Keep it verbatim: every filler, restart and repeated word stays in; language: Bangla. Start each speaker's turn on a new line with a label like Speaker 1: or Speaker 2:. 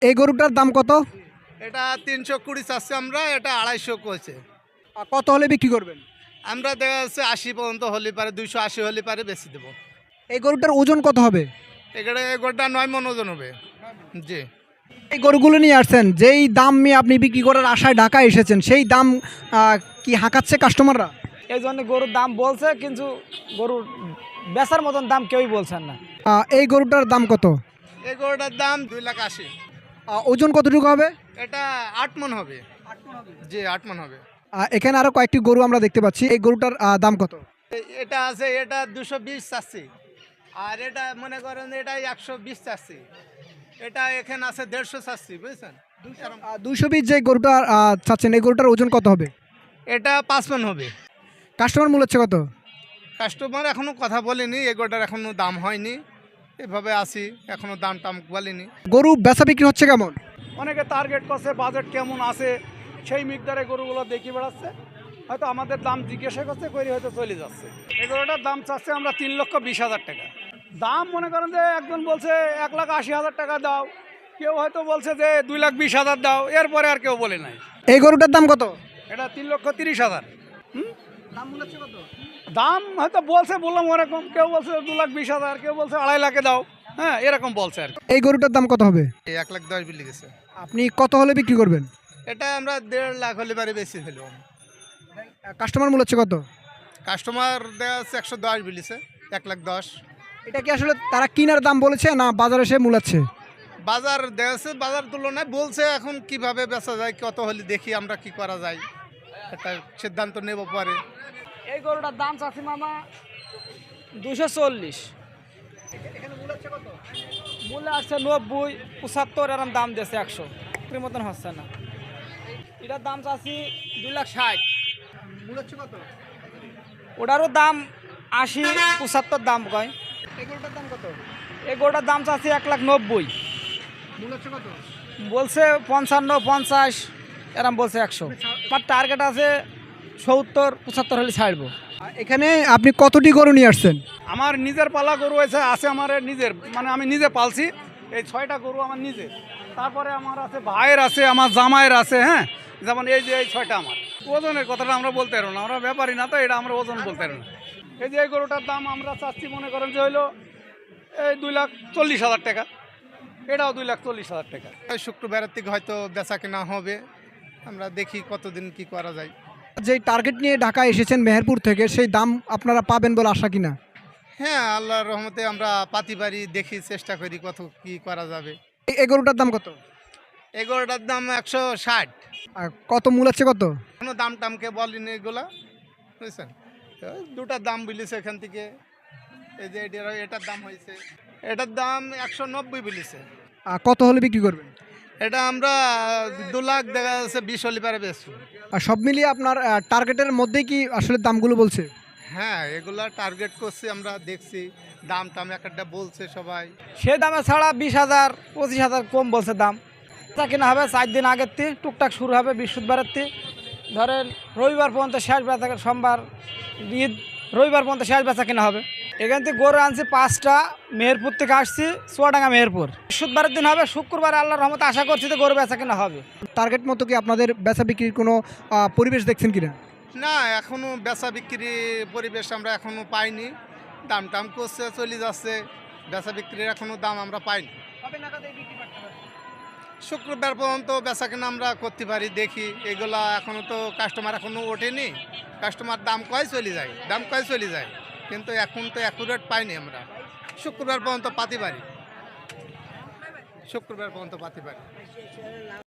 Speaker 1: এই গরুটার দাম কত?
Speaker 2: এটা তিনশো কুড়ি চাচ্ছে আমরা, এটা আড়াইশো কইছে।
Speaker 1: আর কত হলে বিক্রি করবেন?
Speaker 2: আমরা দেখা যাচ্ছে আশি পর্যন্ত হলে পারে, দুইশো আশি হলে পারে বেশি দেবো।
Speaker 1: এই গরুটার ওজন কত হবে?
Speaker 2: এখানে গোটা নয় মন ওজন হবে। জি।
Speaker 1: এই গরুগুলো নিয়ে আসছেন, যেই দাম নিয়ে আপনি বিক্রি করার আশায় ঢাকায় এসেছেন, সেই দাম আহ, কি হাঁকাচ্ছে কাস্টমাররা?
Speaker 3: এই জন্য গরুর দাম বলছে, কিন্তু গরুর বেচার মতন দাম কেউই বলছেন না।
Speaker 1: আহ, এই গরুটার দাম কত?
Speaker 2: এই গরুটার দাম দুই লাখ আশি।
Speaker 1: আহ, ওজন কতটুকু হবে?
Speaker 2: এটা আট মন হবে। জি, আট মন হবে।
Speaker 1: আহ, এখানে আরো কয়েকটি গরু আমরা দেখতে পাচ্ছি, এই গরুটার আহ, দাম কত?
Speaker 2: এ- এটা আছে, এটা দুশো বিশ চাচ্ছি। আর এটা মনে করেন এটা একশো বিশ চাচ্ছি। এটা এখানে আছে দেড়শো চাচ্ছি, বুঝছেন? এরম-
Speaker 1: দুইশো বিশ যে গরুটা আহ, চাচ্ছেন, এই গরুটার ওজন কত হবে?
Speaker 2: এটা পাঁচ মন হবে।
Speaker 1: কাস্টমার মূল্য হচ্ছে কত?
Speaker 2: কাস্টমার এখনো কথা বলেনি, এগোটার এখনো দাম হয়নি, এভাবে আসি, এখনো দাম টাম বলেনি।
Speaker 1: গরু বেচা বিক্রি হচ্ছে কেমন?
Speaker 4: অনেকে টার্গেট করছে বাজেট কেমন আছে সেই মিকদারে গরুগুলো দেখি বেড়াচ্ছে, হয়তো আমাদের দাম জিজ্ঞাসা করছে করে হয়তো চলে যাচ্ছে। এগুলোটার দাম চাচ্ছে আমরা তিন লক্ষ বিশ হাজার টাকা দাম। মনে করেন যে একজন বলছে এক লাখ আশি হাজার টাকা দাও, কেউ হয়তো বলছে যে দুই লাখ বিশ হাজার দাও, এরপরে আর কেউ বলে নাই।
Speaker 1: এই গরুটার দাম কত?
Speaker 4: এটা তিন লক্ষ তিরিশ হাজার হুম দাম হয়তো বলছে, বললাম ওরকম, কেউ বলছে দু লাখ বিশ হাজার, কেউ বলছে আড়াই লাখে দাও, হ্যাঁ এরকম বলছে আর কি।
Speaker 1: এই গরুটার দাম কত হবে?
Speaker 2: এই এক লাখ দশ বিলি গেছে।
Speaker 1: আপনি কত হলে বিক্রি করবেন?
Speaker 2: এটা আমরা দেড় লাখ হলে পারে বেশি ফেলব।
Speaker 1: কাস্টমার মূল্য হচ্ছে কত?
Speaker 2: কাস্টমার দেওয়া হচ্ছে একশো দশ বিলিছে, এক লাখ দশ।
Speaker 1: এটা কি আসলে তারা কিনার দাম বলেছে না বাজারে এসে মূলাচ্ছে?
Speaker 2: বাজার দেওয়া হচ্ছে, বাজার তুলনায় বলছে, এখন কিভাবে বেচা যায়, কত হলে দেখি আমরা কি করা যায়, একটা সিদ্ধান্ত নেব পরে।
Speaker 3: এই গরুটার দাম চাচ্ছি মামা দুশো চল্লিশ, মূল্য আসছে নব্বই পঁচাত্তর, এরম দাম দিয়েছে, একশো এর মতন হচ্ছে না। এটার দাম চাচ্ছি দুই লাখ ষাট, ওটারও দাম আশি পঁচাত্তর দাম কয়।
Speaker 1: এই গরুটার দাম কত?
Speaker 3: এই গরুটার দাম চাচ্ছি এক লাখ নব্বই,
Speaker 1: মূল্য হচ্ছে কত?
Speaker 3: বলছে পঞ্চান্ন পঞ্চাশ, এরম বলছে একশো। আমার টার্গেট আছে সত্তর পঁচাত্তর হলে ছাড়বো।
Speaker 1: আর এখানে আপনি কতটি গরু নিয়ে আসছেন?
Speaker 4: আমার নিজের পালা গরু আছে আছে আমার নিজের, মানে আমি নিজে পালছি এই ছয়টা গরু আমার নিজের। তারপরে আমার আছে ভাইয়ের আছে, আমার জামাইয়ের আছে, হ্যাঁ যেমন এই যে এই ছয়টা আমার। ওজনের কথাটা আমরা বলতে পারবো না, আমরা ব্যাপারই না, তো এটা আমরা ওজন বলতে পারবো না। এই যে এই গরুটার দাম আমরা চাচ্ছি মনে করেন যে হইলো এই দুই লাখ চল্লিশ হাজার টাকা, এটাও দুই লাখ চল্লিশ হাজার টাকা।
Speaker 2: ওই শুক্রবারের থেকে হয়তো বেচা কেনা হবে, আমরা দেখি কতদিন কি করা যায়।
Speaker 1: যেই টার্গেট নিয়ে ঢাকা এসেছেন মেহেরপুর থেকে, সেই দাম আপনারা পাবেন বলে আশা কিনা?
Speaker 2: হ্যাঁ, আল্লাহর রহমতে আমরা পাতি পারি, দেখি, চেষ্টা করি কত কি করা যাবে।
Speaker 1: এই- এই গরুটার দাম কত?
Speaker 2: এগারোটার দাম একশো ষাট।
Speaker 1: আর কত মূলাচ্ছে কত?
Speaker 2: কোনো দাম টামকে বলিনি এগুলা, বুঝছেন? ওই দুটার দাম বলিছে এখান থেকে। এই যে এটার এটার দাম হয়েছে, এটার দাম একশো নব্বই বলিছে।
Speaker 1: আর কত হলে বিক্রি করবেন?
Speaker 2: এটা আমরা দু লাখ দেখা যাচ্ছে বিশ হলে পারে বেশি।
Speaker 1: আর সব মিলিয়ে আপনার টার্গেটের মধ্যেই কি আসলে দামগুলো বলছে?
Speaker 2: হ্যাঁ, এগুলা টার্গেট করছি, আমরা দেখছি দাম টাম এক একটা বলছে সবাই।
Speaker 3: সে দামে ছাড়া বিশ হাজার পঁচিশ হাজার কম বলছে দাম। তা কিনা হবে চার দিন আগের থেকে, টুকটাক শুরু হবে বৃহস্পতিবারের থেকে, ধরেন রবিবার পর্যন্ত শেষ বেচা, সোমবার ঈদ, রবিবার পর্যন্ত শেষ বেচা কিনা হবে। এখান থেকে গরু আনছি পাঁচটা, মেহেরপুর থেকে আসছি, চুয়াডাঙ্গা মেহেরপুর। বৃহস্পতিবারের দিন হবে, শুক্রবার আল্লাহর রহমতে আশা করছি যে গরু বেচা কিনা হবে।
Speaker 1: টার্গেট মতো কি আপনাদের বেচা বিক্রির কোনো আহ, পরিবেশ দেখছেন কিনা?
Speaker 2: না, এখনো বেচা বিক্রি পরিবেশ আমরা এখনো পাইনি। দাম টাম করছে, চলে যাচ্ছে, বেচা বিক্রির এখনো দাম আমরা পাইনি। শুক্রবার পর্যন্ত বেচা কেনা আমরা করতে পারি, দেখি। এগুলা এখনো তো কাস্টমার এখনো ওঠেনি, কাস্টমার দাম কয় চলে যায়, দাম কয় চলে যায়, কিন্তু এখন তো অ্যাকুরেট পাইনি আমরা। শুক্রবার পর্যন্ত পাতি পারি, শুক্রবার পর্যন্ত পাতি পারি।